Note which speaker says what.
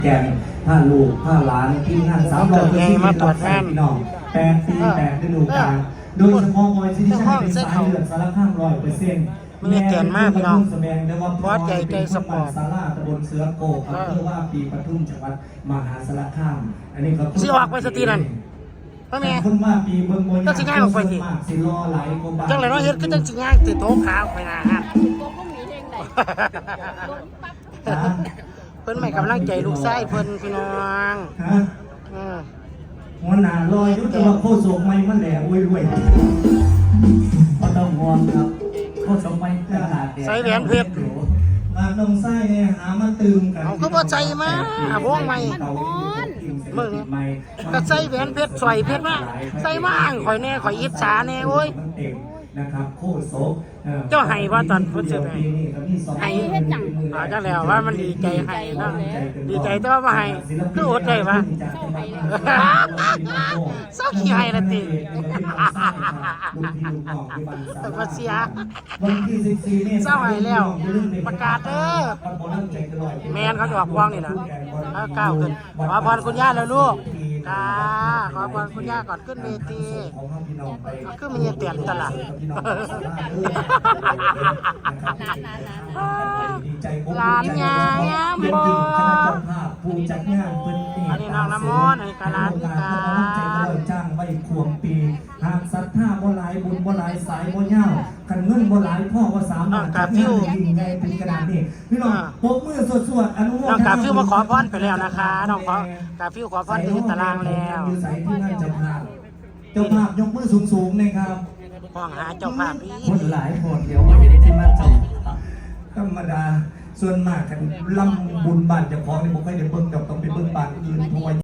Speaker 1: แกนผ้าลูกผ้าล้านที่งาน300มาตรวจงานพี่น้อง8 ปี8ฤดูกาลโดยเฉพาะมวยที่ใช้เป็นสายเลือดสารข้าง100%
Speaker 2: มีเกียรติมากพี่น้อง
Speaker 1: บอสใหญ่ใจสปอร์ตศาลาตำบลเสือโกอำเภอว่าปีปทุมจังหวัดมหาสารคามอันนี้ก็
Speaker 2: สิออกไปสตีนั่นพ่อแม่
Speaker 1: คนว่าปีเบิ่งมวย
Speaker 2: ก็สิง่ายออกไปสิ
Speaker 1: สิรอไหลกว่าบาท
Speaker 2: จังไรเนาะเฮ็ดก็จังสิง่ายติดโต๊ะขาวไปนะฮะเพิ่นไม่กำลังใจลูกชายเพิ่นพี่น้อง
Speaker 1: หัวหน้าลอยยุทธว่าโคศกไม่มันแหล่รวยก็ต้องห่วงครับโคศกไม่ขนาดเดียว
Speaker 2: ใส่แหวนเพชร
Speaker 1: มาลงไส้เนี่ยหามาตื่มกัน
Speaker 2: เอาก็บ่ใส่มาพวงใหม่มึงก็ใส่แหวนเพชรสวยเพชรมาใส่มาอ่างข่อยแน่ข่อยอิจฉาแน่โอ้ย
Speaker 1: นะครับโคศก
Speaker 2: เจ้าให้ว่าตอนเพิ่นสิให้จังแล้วว่ามันดีใจให้นะดีใจแต่ว่าบ่ให้คืออดได้วะเศร้าขี้ให้ละติบ่เสียเศร้าให้แล้วประกาศเด้อแม่นเขาจะออกวางนี่นะก้าวขึ้นขอพรคุณย่าแล้วลูกจ้าขอพรคุณย่าก่อนขึ้นเวทีก็มีเตียนตลาดหลานยายามบ่อันนี้น้องน้ำมนต์อันนี้กะลาธิกา
Speaker 1: จ้างไว้ควงปีหากศรัทธาบ่หลายบุญบ่หลายสายบ่ยาวกันเงินบ่หลายพ่อว่า3กาฟิวยิ่งใหญ่เป็นขนาดนี้พี่น้องปรบมือสวดๆอนุโมทนา
Speaker 2: น้องกาฟิวมาขอพรไปแล้วนะคะน้องขอกาฟิวขอพรที่ตารางแล้ว
Speaker 1: อยู่ใส่ที่นั่นเจ้าภาพยกมือสูงๆนะครับ
Speaker 2: ห้องหาเจ้าภาพพี่
Speaker 1: คนหลายคนเดี๋ยวที่นั่นธรรมดาส่วนมากกันลำบุญบ้านเจ้าของนี่ผมเคยได้เบิ่งเจ้า